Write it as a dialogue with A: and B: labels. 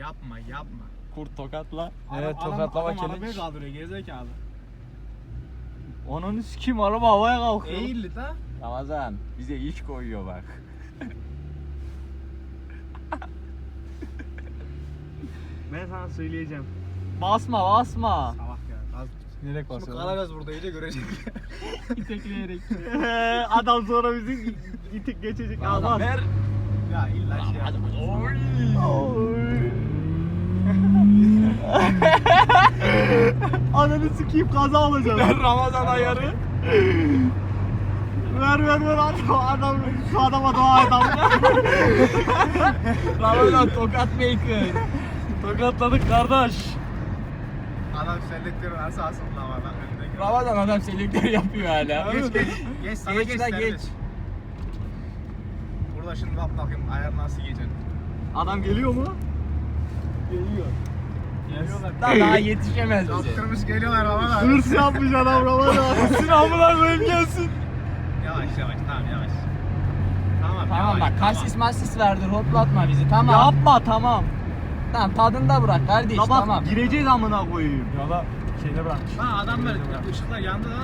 A: Yapma yapma.
B: Kurt tokatla.
C: Evet,
A: Adam-
C: tokatlama
A: adam
C: challenge.
A: arabayı kaldırıyor gerizekalı.
B: Onun sikim araba havaya kalkıyor.
A: Eğildi da.
B: Ramazan bize iş koyuyor bak.
C: Ben sana söyleyeceğim.
B: Basma basma.
A: Salak ya. Az
C: Direkt
A: Şimdi
C: basıyorum.
A: kalacağız burada iyice görecek. İtekleyerek.
B: Adam sonra bizi itik geçecek.
C: Adam ver.
A: Ya illa şey yap.
B: Ananı sikeyim kaza olacak.
C: Ver Ramazan ayarı.
B: ver adam şu adama dua et Allah.
C: Ramazan tokat maker. Tokatladık kardeş.
A: Adam selektörü nasıl asıldı ama adam önüne.
C: Ramazan adam selektör yapıyor hala.
A: Geç sana
C: Geç
A: geç
C: la,
A: sen
C: geç.
A: geç. Burada şimdi bak bakayım ayar nasıl geçeceksin.
B: Adam geliyor mu?
C: Geliyor.
A: Geliyorlar.
C: Daha yetişemez bize.
A: Yaptırmış geliyorlar ama da.
B: Hırs yapmış adam Ramazan.
C: Sınavlar koyup gelsin.
A: Yavaş tamam yavaş.
C: Tamam
A: yavaş,
C: bak kasis masis verdir hoplatma bizi tamam.
B: Yapma tamam.
C: Tamam tadında bırak kardeş
B: Ya bak
C: tamam.
B: gireceğiz amına koyayım.
C: Yola şeyde bırakmış.
A: Ha adamlar ışıklar yandı lan.